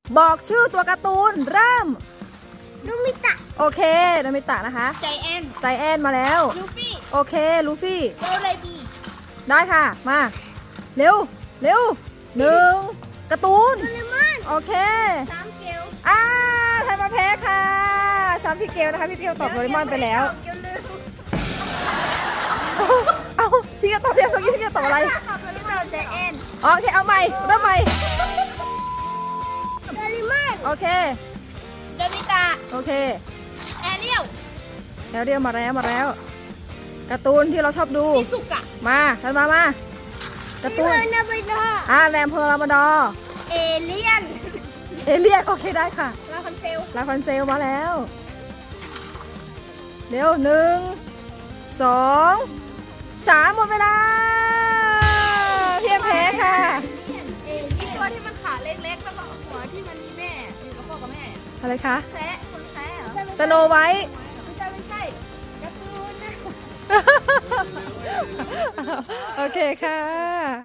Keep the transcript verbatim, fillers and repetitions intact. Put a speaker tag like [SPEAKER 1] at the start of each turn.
[SPEAKER 1] บอกชื่อตัวการ์ตูนเริ่ม
[SPEAKER 2] ลูมิตะ
[SPEAKER 1] โอเคโนมิตะนะคะ
[SPEAKER 3] ใจแอน
[SPEAKER 1] ใจแอนมาแล้ว
[SPEAKER 3] ลูฟี่
[SPEAKER 1] โอเคลูฟี่
[SPEAKER 3] โดเรบี
[SPEAKER 1] ได้ค่ะมาเร็วเร็วหนึ่งการ์ตูน
[SPEAKER 2] โดเรมอน
[SPEAKER 1] โอเค
[SPEAKER 3] สามเกล
[SPEAKER 1] อ่าไทยมาแพ้ค่ะสามพี่เกลนะคะพี่เกลตอบโดเรมอนไปแล้ว
[SPEAKER 2] เกลลืม
[SPEAKER 1] เอาเอาพี่ก็ตอบเพียงเมื่อกี้พี่ก็ตอบอะไร
[SPEAKER 2] ตอบโดเรมอนใจแอน
[SPEAKER 1] อ๋อโอเคเอาใหม่เริ่มใหม่
[SPEAKER 2] โดเรมอน
[SPEAKER 1] โอเค
[SPEAKER 3] โดมิตะ
[SPEAKER 1] โอเค
[SPEAKER 3] แอเรียล
[SPEAKER 1] แล้วเรียกมาแล้วมาแล้วการ์ตูนที่เราชอบดู
[SPEAKER 3] ซิสุกะ
[SPEAKER 1] มากันมามาการ์ตูน
[SPEAKER 2] เนนาไปดา
[SPEAKER 1] อ่าแรมเพอร์ลามาดอร์
[SPEAKER 2] เอเลียน
[SPEAKER 1] เอเลียนโอเคได้ค่ะ
[SPEAKER 3] ลาคอนเซล
[SPEAKER 1] ลาคอนเซลมาแล้ว เร็วหนึ่งสองสามหมดเวลาเพียงแพ้ค่ะ
[SPEAKER 3] ตัวที่มันขาเล็กๆแล้วก็หัวที่มันมีแม่อยู่กับพ่อกับแม่
[SPEAKER 1] อะไรคะ
[SPEAKER 3] แพะคนแพะเหรอ
[SPEAKER 1] สโนไวท์
[SPEAKER 3] ไม่ใช่ไม่ใช่การ์ตูนนะ
[SPEAKER 1] โอเคค่ะ